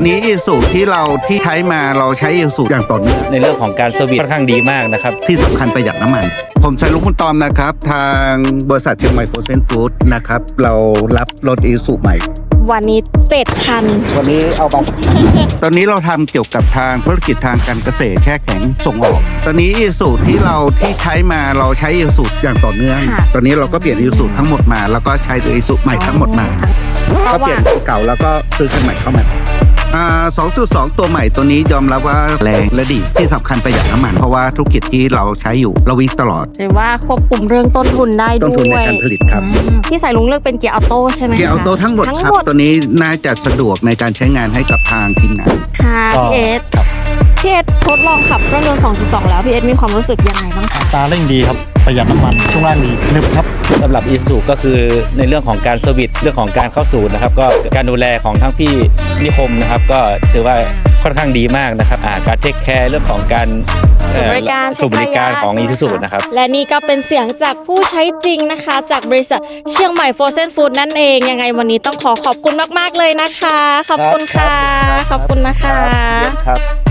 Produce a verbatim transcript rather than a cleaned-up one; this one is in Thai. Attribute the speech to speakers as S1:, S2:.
S1: อนนี้อีซูที่เราที่ใช้มาเราใช้อีซูอย่างต่อเนื่อง
S2: ในเรื่องของการเซอร์วิสค่อนข้างดีมากนะครับ
S1: ที่สำคัญประหยัดน้ำมัน ผมชัยรุ้งคุณตอมนะครับทางบริษัทเชียงใหม่โฟรเซนฟู้ดนะครับเรารับรถอีซูใหม่
S3: วันนี้เจ็ดคัน
S1: วันนี้เอามาตอนนี้เราทำเกี่ยวกับทางธุรกิจทางการเกษตรแช่แข็งส่งออกตอนนี้อีซูที่เราที่ใช้มาเราใช้อีซูอย่างต่อเนื่องตอนนี้เราก็เปลี่ยนอีซูทั้งหมดมาแล้วก็ใช้อีซูใหม่ทั้งหมดมาก็เปลี่ยนเก่าแล้วก็ซื้อคันใหม่เข้ามาอ่า สองจุดสอง ตัวใหม่ตัวนี้ยอมรับว่าแรงและดีที่สำคัญประหยัดน้ำมันเพราะว่าธุรกิจที่เราใช้อยู่เราวิ่งตลอด
S3: ถือว่าควบคุมเรื่องต้นทุนได้ด้วย
S1: ต้นทุนในการผลิตครับ
S3: พี่สายลุงเลือกเป็นเกียร์ออโต้ใช่ไหม
S1: เกียร์ออโต้ทั้งหมดครับตัวนี้น่าจะสะดวกในการใช้งานให้กับทางทีมงาน
S3: ค่ะพี่เอสพี่เอสทดลองขับเครื่องยนต์ สองจุดสอง แล้วพี่เอสมีความรู้สึกยังไงบ้างคะ
S4: ตาเร่งดีครับประหยัดน้ำมันช่วงล่างดีนึบครับ
S2: สำหรับอีซูก็คือในเรื่องของการเซอร์วิสเรื่องของการเข้าสู่นะครับก็การดูแลของทั้งพี่นิคมนะครับก็ถือว่าค่อนข้างดีมากนะครับการเทคแคร์เรื่องของการ
S3: สูบริการ
S2: สูบริการของอีซูนะครับ
S3: และนี่ก็เป็นเสียงจากผู้ใช้จริงนะคะจากบริษัทเชียงใหม่โฟรเซนฟู้ดนั่นเองยังไงวันนี้ต้องขอขอบคุณมากๆเลยนะคะขอบคุณค่ะขอบคุณนะคะ